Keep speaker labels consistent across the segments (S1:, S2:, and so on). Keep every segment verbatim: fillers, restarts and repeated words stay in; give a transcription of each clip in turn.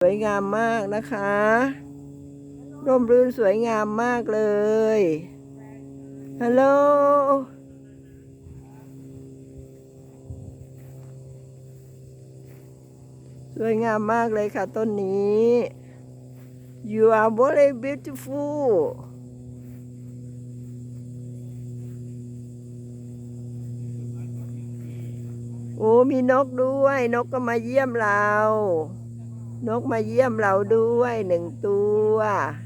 S1: วยงามมากนะคะร่มรื่นสวยงามมากเลยฮัลโหลสวยงามมากเลยค่ะต้นนี้ You are very beautiful โอ้มีนกด้วยนกก็มาเยี่ยมเรานกมาเยี่ยมเราด้วยหนึ่งตัว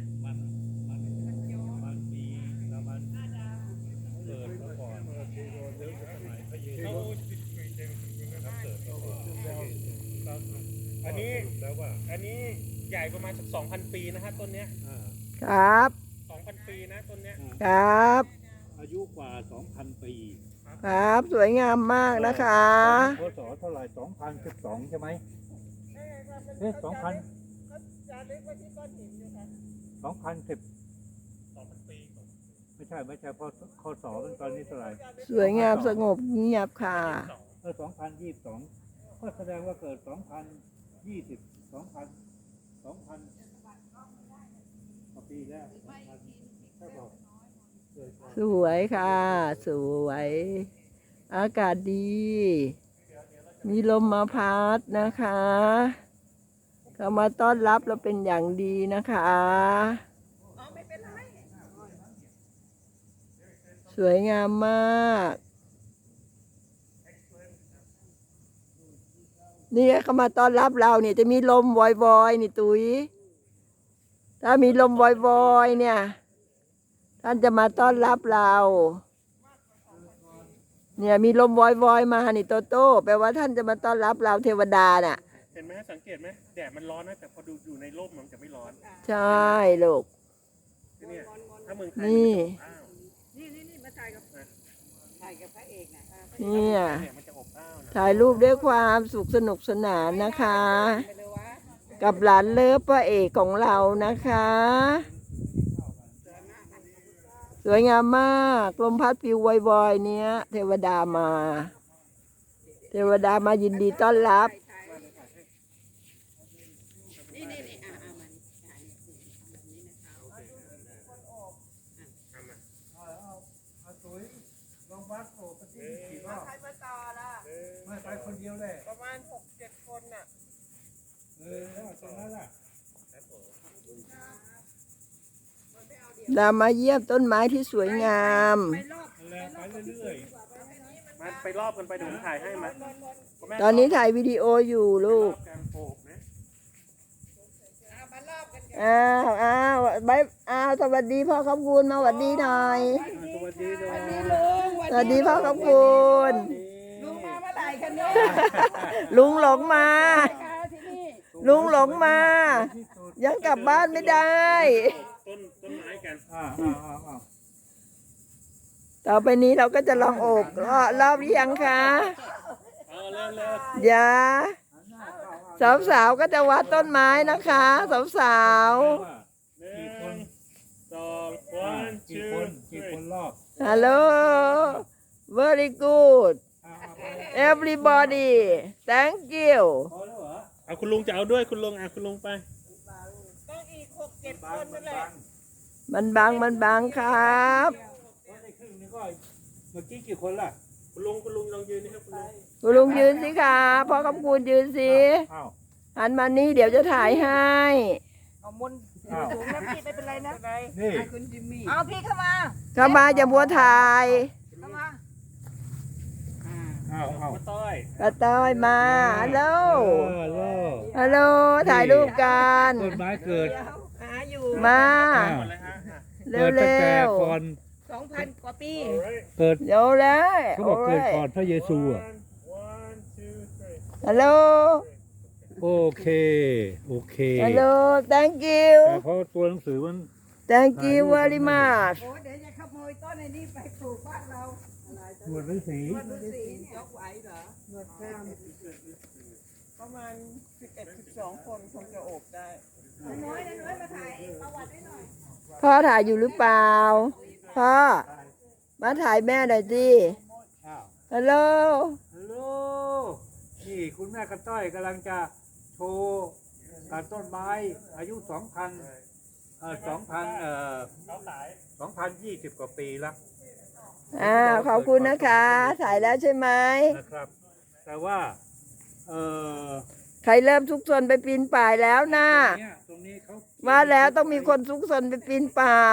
S2: อันนี้อันนี้ใหญ่ประมาณสักสองพันปีนะฮะต้นเนี้ย
S1: ครับ
S2: สองพันปีนะต้นเนี้ย
S1: ครับ
S3: อายุกว่าสองพันปี
S1: ครับสวยงามมากนะคะ
S3: พศเท่าไหร่สองพันสิบสองใช่ไหมเอ๊ะสองพันสองพันสิบ
S2: สองพันปี
S3: ไม่ใช่ไม่ใช่เพราะคศมันตอนนี้เท่าไหร่
S1: สวยงามสงบเงียบค่ะ
S3: เออสองพันยี่สิบสองก็แสดงว่าเกิดสองพันยี่สิบสองพันสองพันกว่าปีแล้วสองพันถ้าบอก
S1: สวยค่ะสวยอากาศดี มีลมมาพัดนะคะเขามาต้อนรับเราเป็นอย่างดีนะคะสวยงามมากนี่เขามาต้อนรับเราเนี่ยจะมีลมวอยๆนี่ตุ้ยถ้ามีลมวอยๆเนี่ยท่านจะมาต้อนรับเราเนี่ยมีลมวอยๆมานี่โตโต้แปลว่าท่านจะมาต้อนรับเราเทวดาน่ะ
S2: เห็นไหมสังเกตไหมแดดมันร้อนนะแต่พอดูอยู่ในร่มมันจะไม่ร้อน
S1: ใช่ลูก
S2: นี่ถ้าเมืองไทย
S1: นี่
S4: นี่นี่นี่มาถ่ายกับถ่ายกับพระเอกนะ
S1: เนี่ย
S2: มันจะอบอ้าวนะ
S1: ถ่ายรูปด้วยความสุขสนุกสนานนะคะกับหลานเลิฟพระเอกของเรานะคะสวยงามมากลมพัดปิววอยๆเนี้ยเทวดามาเทวดามายินดีต้อนรับ
S4: นี่นี่นี่อ่าอ่ามันถ่ายนี่นะคะ
S3: ลองวัดโอ้ปฏิกี่รอบ
S4: ใครมาต่อล่ะ
S3: ไม่ไปคนเดียวเลย
S4: ประมาณหกเจ็ดคนน่ะ
S3: เออแล้วตรงนั้นล่ะ
S1: เรามาเยี่ยมต้นไม้ที่สวยงาม
S3: ไปเรื่อย
S2: ๆมาไปรอบกันไปเดี๋ยวผมถ่ายให้มา
S1: ตอนนี้ถ่ายวิดีโออยู่ลูกอ้าวอ้าวบายอ้าวสวัสดีพ่อขอบคุณมาสวัสดีหน่อย
S3: สวัสดีด้วย
S1: สวัสดีพ่อขอบคุณ
S4: ลุงมาเมื่อไหร่กันเนี่ย
S1: ลุงหลงมาลุงหลงมายังกลับบ้านไม่ได้
S2: ต้นต้นไม้กัน
S3: อ่าอ่าอ่า
S1: ต่อไปนี้เราก็จะลองโอบรอบหรือยังคะ
S2: เอาเร็วเร็ว
S1: อย่าสาวๆก็จะวัดต้นไม้นะคะสาว
S2: ๆหนึ่งสองวันชื่อ
S3: กี่คนรอบ
S1: Hello very good everybody thank you
S2: เอาคุณลุงจะเอาด้วยคุณลุงอ่ะคุณลุงไป
S4: ต้องอีกหกเจ็ดคนนั่นแหละ
S1: มันบังมันบังครับ
S3: เมื่อกี้กี่คนล่ะ
S2: คุณลุงคุณลุงลองยืนนี่ครับคุณลุง
S1: คุณลุงยืนสิคะพ่อคำคูณยืนสิหันมานี่เดี๋ยวจะถ่ายให้
S4: เอามุนถุงน้ำพี่ไม่เป็นไรนะ
S3: นี่
S4: คุณจิมมี่เอาพี่เข้ามา
S1: เข้ามาอย่าบัวถ่าย
S4: เข้ามา
S3: อ้าวอ้าว
S2: ป้าต้อย
S1: ป้าต้อยมาฮัลโหล
S3: ฮัลโหล
S1: ฮัลโหลถ่ายรูปกัน
S3: ต้นไม้เกิด
S4: หาอยู่
S1: มาเร็วเร็ว
S4: สองพันกว่าปี
S3: เกิด
S1: เดี๋ยวเลย
S3: เขาบอกเกิดก่อนพระเยซูอ่ะ
S1: ฮัลโหล
S3: โอเคโอเค
S1: ฮัลโหล thank you
S3: เพราะตัวหนังสือมัน
S1: thank you very much
S4: โอ้เดี๋ยวจะขโมยต้นในนี้ไปปลูกบ้านเรา
S3: หนวดฤาษี
S4: หนวดฤาษียกไหวเหรอหนวดข้ามประมาณสิบเอ็ดสิบสองคนคงจะโอบได้น้อยน้อยมาถ่ายประวัติให้หน่อย
S1: พ่อถ่ายอยู่หรือเปล่าพ่อมาถ่ายแม่หน่อยสิฮัลโหล
S3: ฮัลโหลนี่คุณแม่กระต้อยกำลังจะโชว์การต้นไม้อายุสองพันเอ่อสองพันเอ่อ
S2: เขาขาย
S3: สองพันยี่สิบกว่าปีแล้ว
S1: อ่าขอบคุณนะคะ ถ่ายแล้วใช่ไหม
S3: นะครับ แต่ว่าเอ่อ
S1: ใครเริ่มซุกซนไปปีนป่ายแล้วนะ
S3: ตรงเนี้ยตรงนี้เขา
S1: ว่าแล้วต้องมีคนซุกซนไปปีนป่าย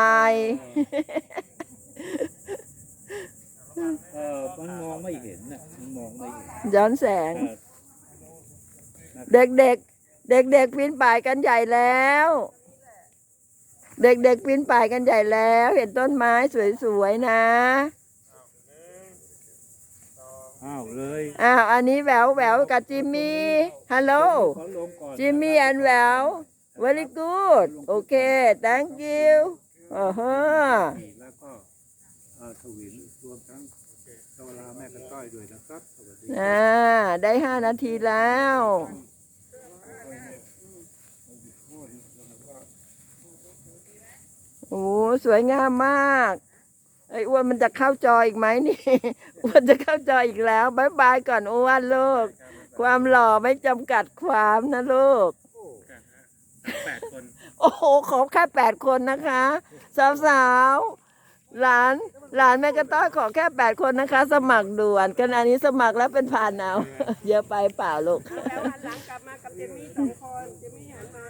S3: เออมันมองไม่เห็นน่ะมันมองไม่เห็น
S1: ย้อนแสง
S3: เออ
S1: เด็กเด็กเด็กเด็กๆปีนป่ายกันใหญ่แล้ว เด็กเด็กๆปีนป่ายกันใหญ่แล้ว เห็นต้นไม้สวยๆนะ
S3: อ้าวเลย
S1: อ้าวอันนี้แหววแหววกับจิมมี่ฮัลโหล
S3: ขอลงก่อน
S1: จิมมี่ and แหวว very good โอเค thank you อ๋อฮะ
S3: แล้วก็เอ่อทวินรวมทั้งโซลาแม่กระต้อยด้วยนะครับสวัสดี
S1: อ่าได้ห้านาทีแล้ว โอ้สวยงามมากไอ้อ้วนมันจะเข้าจออีกไหมนี่ อ้วนจะเข้าจออีกแล้วบายบายก่อนอ้วนลูก ความหล่อไม่จำกัดความนะลูก
S2: แปดคน
S1: โอ้โห ขอแค่แปดคนนะคะ สาวๆ หลาน หลานแม่กระต้อยขอแค่แปดคนนะคะ สมัครด่วนกันอันนี้สมัครแล้วเป็นผ่านเอา เยอะไปเปล่าลูก
S4: แล้วหันหลังกลับมากับเจมี่สองคนเจมี่หันมา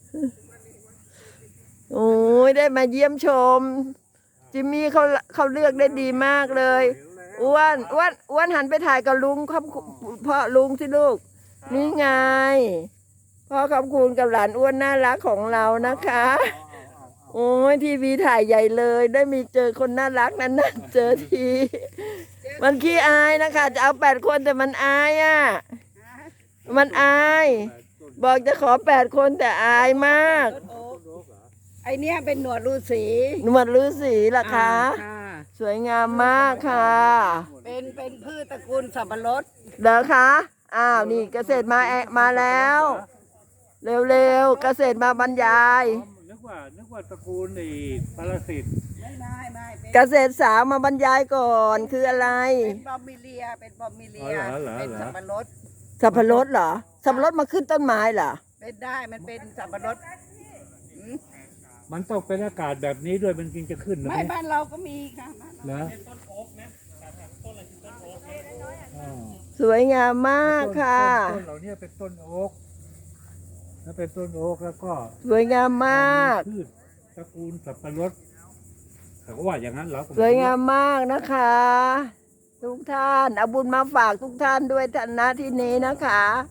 S1: โอ้ยได้มาเยี่ยมชม จิมมี่เขาเขาเลือกได้ดีมากเลยอ้วนอ้วนอ้วนหันไปถ่ายกับลุงครับพ่อลุงสิลูก นี่ไงพ่อขอบคุณกับหลานอ้วนน่ารักของเรานะคะ โอ้ยทีวีถ่ายใหญ่เลย ได้มีเจอคนน่ารักนั้นนะเจอที มันขี้อายนะคะ จะเอาแปดคนแต่มันอายอ่ะ มันอาย บอกจะขอแปดคนแต่อายมาก
S4: ต้นโอ๊กไอเนี้ยเป็นหนวดฤาษี
S1: หนวดฤาษีล่ะคะ
S4: อ่า
S1: สวยงามมากค่ะ
S4: เป็นเป็นพืชตระกูลสับปะรด
S1: เด้อคะ อ้าวนี่เกษตรมาแอะมาแล้ว เร็วๆเกษตรมาบรรยาย
S3: อ๋อนึกว่านึกว่าตระกูลไอ้ปรสิต
S4: ไม่ไม่ไม่เป็น
S1: เกษตรสาวมาบรรยายก่อนคืออะไร
S4: เป็นบอมมิเลียเป็นบอมมิเลียเป็นสับปะรด
S1: สับปะรดเหรอ สับปะรดมาขึ้นต้นไม้เหรอ
S4: เป็นได้มันเป็นสับปะรดอืม
S3: มันต้องเป็นอากาศแบบนี้ด้วยมันจึงจะขึ้นนะ
S4: ไม่
S3: เนี่ย
S4: บ้านเราก็มีค่ะบ้านเรา
S3: นะ
S2: ต้นโอ๊กนะต้นอะไรคือต้นโอ๊กนะ
S3: อ่า
S1: สวยงามมากค่ะ
S3: ต้นต้นเหล่านี้เป็นต้นโอ๊กแล้วเป็นต้นโอ๊กแล้วก็
S1: สวยงามมาก
S3: พืชตระกูลสับปะรดเขาก็ว่าอย่างนั้นเหรอ
S1: สวยงามมากนะคะ ทุกท่านเอาบุญมาฝากทุกท่านด้วยท่านนะที่นี้นะคะ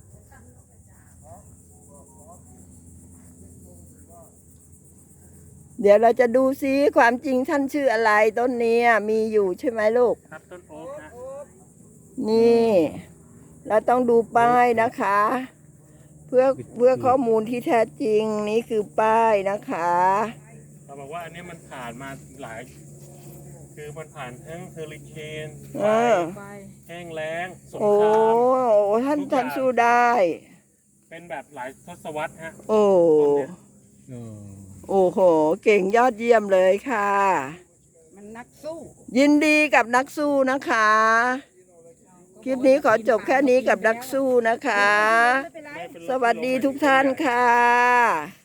S1: เดี๋ยวเราจะดูซิความจริงท่านชื่ออะไรต้นเนี้ยมีอยู่ใช่ไหมลูก
S2: ครับต้นโอ๊กนะ
S1: นี่ เราต้องดูป้ายนะคะ เพื่อเพื่อข้อมูลที่แท้จริงนี่คือป้ายนะคะ
S2: เขาบอกว่าอันนี้มันผ่านมาหลาย คือมันผ่านทั้งเฮอริเคน
S1: เออ
S4: ไป
S2: แห้งแล้งสง
S1: โอ้
S2: คราม
S1: โอ้ท่านท่านสู้ได้
S2: เป็นแบบหลายทศวรรษฮะ
S1: โอ้
S3: เออ
S1: โอ้โห เก่งยอดเยี่ยมเลยค่ะ
S4: มันนักสู้
S1: ยินดีกับนักสู้นะคะ คลิปนี้ขอจบแค่นี้กับนักสู้นะคะ
S4: ไม่เป็นไร
S2: ไม่เป็นไร
S1: สวัสดีทุกท่านค่ะ